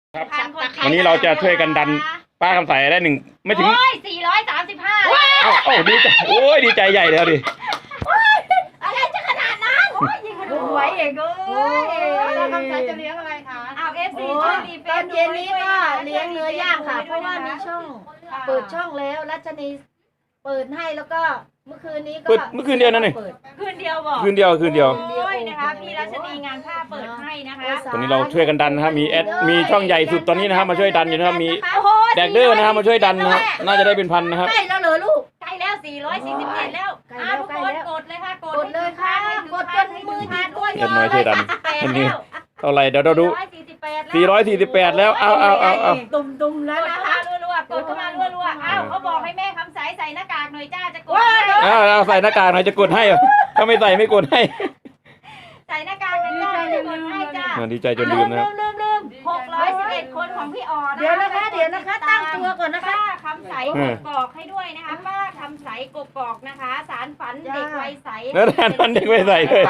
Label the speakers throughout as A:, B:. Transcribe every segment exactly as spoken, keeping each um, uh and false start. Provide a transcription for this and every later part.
A: ครับวันนี้เราจะช่วยกันดันป้าคำใสได้หนึ่งไม่ถึง
B: โอ้ยสี่ร้อยสามสิบห้า
A: เอ้าเอ้าดีใจโอ้ยดีใจใหญ่แล้วดิ
B: อะไรจะขนาดนั้นโอ้ยยิงดูไว้เองเอ้ย
C: ป้าคำใสจะเลี้ยงอะไรคะ
B: อ้าวเอฟซีช่วยรีเฟ
C: ตอนเย็นนี้ก็เลี้ยงเนื้อย่างค่ะ เพราะว่ามีช่องเปิดช่องแล้วรัชนีเปิดให้แล้วก็เมื่อคืนนี้ก็
A: เปิดเมื่อคืนเดียวนั่นเอง
C: ปิด
B: คืนเดียวบอก
A: คืนเดียวคืนเดียว
B: โอ้ยนะคะพี่รัชนีงานผ้าเปิดให้นะคะ
A: ตอนนี้เราช่วยกันดันนะครับมีแอดมีช่องใหญ่สุดตอนนี้นะครับมาช่วยดันอยู่นะครับมี
B: โอ้โห
A: แดกเดอร์นะครับมาช่วยดันนะครับน่าจะได้เป็นพันนะครับ
C: ใกล้แล้วเหรอลูก
B: ใกล้แล้วสี่ร้อยสี่สิบเจ็ดแล้ว
C: ใกล้แล้ว
B: อ้าวทุกคนกดเลยค่ะกด
C: กดเลยค่ะกดจนมือดีดด้วย
A: เอ็ดน้อยช่วยดันอันนี้เท่าไหร่เดี๋ยวเราดู
B: สี่ร้อยสี่สิบแปดแล้ว
A: สี่ร้อยสี่สิบแปดแล้วเอาเอาเอาเอา
C: ตุ่มตุ่มๆ
B: ก
C: แล้ว
B: ด
C: นะ
B: เข้า
C: คะ
B: มารัวๆกดเข้ามารัวๆอ้าวเขาบอกให้แม่คำใสใส่หน้ากากหน่อยจ้าจะกด
A: เอาเอาใส่หน้ากากหน่อยจะกดให้เหรอถ้าไม่ใส่ไม่กดให้
B: ใส่หน้ากากหน่อยจ้าจะกดให้จ้า
A: อ่าดีใจจนลืมนะครับ
C: ลืมลืม
B: หกร้อยสิบเอ็ดคนของพี่อ่อน
C: เดี๋ยวนะคะเดี๋ยวนะคะตั้งตัวก่อนนะคะ
B: ป้าคำใสกกอกให้ด้วยนะคะป้าคำใสกกอกนะคะ สารฝันเด็กวัยใส
A: แล้วแทนมันเด็กไม่ใส่เลย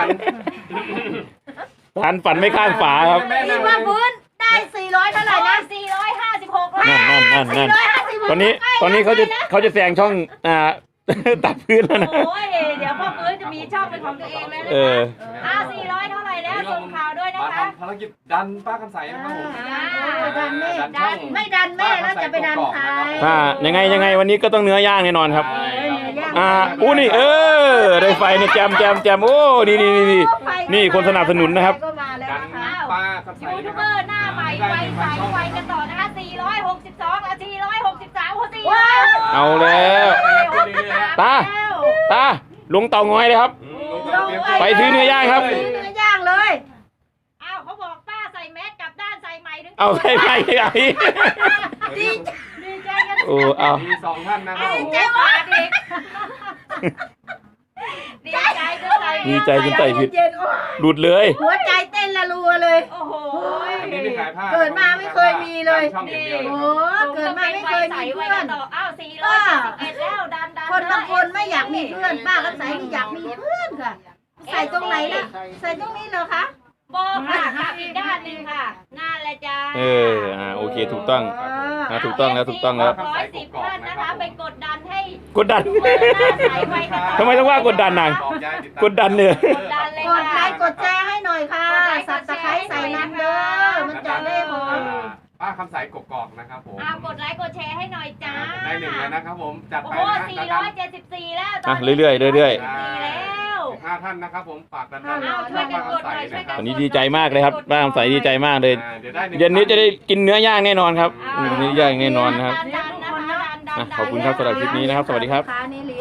A: ทานฝันไม่ข้างฝาครับ
C: นี่ว่าฟื้นได้สี่ร้อยเท่าไหร่นะ
B: สี่ร้อยห้าสิบหก
A: นั่นนั่นนั่นนั่น
C: สี่ร้อยห้าสิบหก
A: ตอนนี้ตอนนี้เขาจะเขาจะแซงช่องอ่า ตัดพื้นแล้วนะ
B: โอ้ยเดี๋ยวพ่อฟื้นจะมีช่องเป็นของตัวเองแล้วนะ
A: เออ
B: คะอ้าวสี่ร้อยเท่าไหร่แล้วส่งข่าวด้วยนะ
D: มา
B: คะ
D: ทำภารกิจดันป้าคำใสนะครับผม
B: อ่า
C: ดันแม่
D: ดันช่อง
C: ไม่ดันแม่แล้วจะไปดันใคร
A: ถ้ายังไงยังไงวันนี้ก็ต้องเนื้อย่างแน่นอนครับ
D: ใช่ครับ
A: อ่าอู้นี่เออได้ไฟเนี่ยแจมแจมแจมโอ้นี่นี่นี่นี่นี่คนสนับสนุนนะครับ
C: ก็มาแล้ว
D: ดัน
C: นะคะ
D: ป้าคำใส
B: ยูทู
D: นะ
B: บ
D: ค
B: เบ
D: รั
B: อบ ร์หน้าใหม่ไวใสไวกันต่อนะคะสี่ร้อยหกสิบสองอ่ะสี่ร้อยหกสิบสามโอ้สี่
C: ว้าว
A: เอาแล้ว ตา ตาลงเตางอยเลยครับ ไปซื้อเนื้อย่างครับ
C: ซื้อเนื้อย่างเลย
B: อ้าวเขาบอกป้าใส่แมสกลับด้านใส่ใหม่ถึง
A: เอาใส่ไปไอ้
C: ดี
B: ดีใจกัน
A: โอ้เอา
D: มีสองท่านนะครับผม
B: เจ็บปากอีกดีใจจนใส่
A: ดีใจจนใส่ผิด
C: เย็นๆโอ้ย
A: หลุดเลย
C: หัวใจเต้นละรัวเลย
B: โอ้โห
D: อันนี้ไม่ขายผ้า
C: เกิดมาไม่เคยมีเลย
D: ดันช่องอย่างเดียว
C: โอ้
D: นะครับ
C: เกิดมาไม่เคยมีเพื่อน
B: อ้าวสี่ร้อยสี่สิบเอ็ดแล้วดันดัน
C: คนบางคนไม่อยากมีเพื่อนป้าก็ใส่ไม่อยากมีเพื่อนค่ะ ใส่ตรงไหนล่ะใส่ตรงนี้เหรอคะ
B: โบค่ะกลับอีกด้านหนึ่งค่ะนั่นแหละจ้า
A: เอออ่าโอเคถูกต้องอ่าถูกต้องแล้วถูกต้องแล้ว
B: ร้อยสิบท่านนะคะไปกดดันให้
A: กดดัน
B: เปิดหน้าใสไวกันต่อ
A: ทำไมต้องว่ากดดันนาง
D: บอกยายติตาม
A: กดดันเนี่ย
B: กดดันเลย
C: กดไล
B: ค่ะ
C: ค์กดแชร์ให้หน่อยค่ะสับตะไคร้ใส่น้ำเด้อมันจะได้หอม
D: ป้าคำใสกกอกนะครับผม
B: อ้าวกดไลค์กดแชร์ให้หน่อยจ้า
D: ได้หนึ่งแล้วนะครับผมจัด
B: โอ้
D: ไป
B: โห
D: นะ
B: สี่
D: ดัน
B: ร้อยเจ็ดสิบสี่แล้วต
A: อ่ะ
B: อนนี้
A: เรื่อยๆเรื่อย
B: สี่แล้ว
D: ห้าท่านนะครับผมฝากดันดัน
B: เอาช่วยกันกดหน่อยช่วยกัน
A: ๆวันนี้ดีใจมากเลยครับป้าคำใสดีใจมากเลย
D: อ่าเดี๋ยวได้หนึ่ง
A: เย็นนี้จะได้กินเนื้อย่างแน่นอนครับอืมเนื้อย่างแน่นอนนะครับ
B: ดันดันนะคะดันดัน
A: อ่ะขอบคุณครับสำหรับคลิปนี้นะครับ สวัสดีครับ
C: ขานี่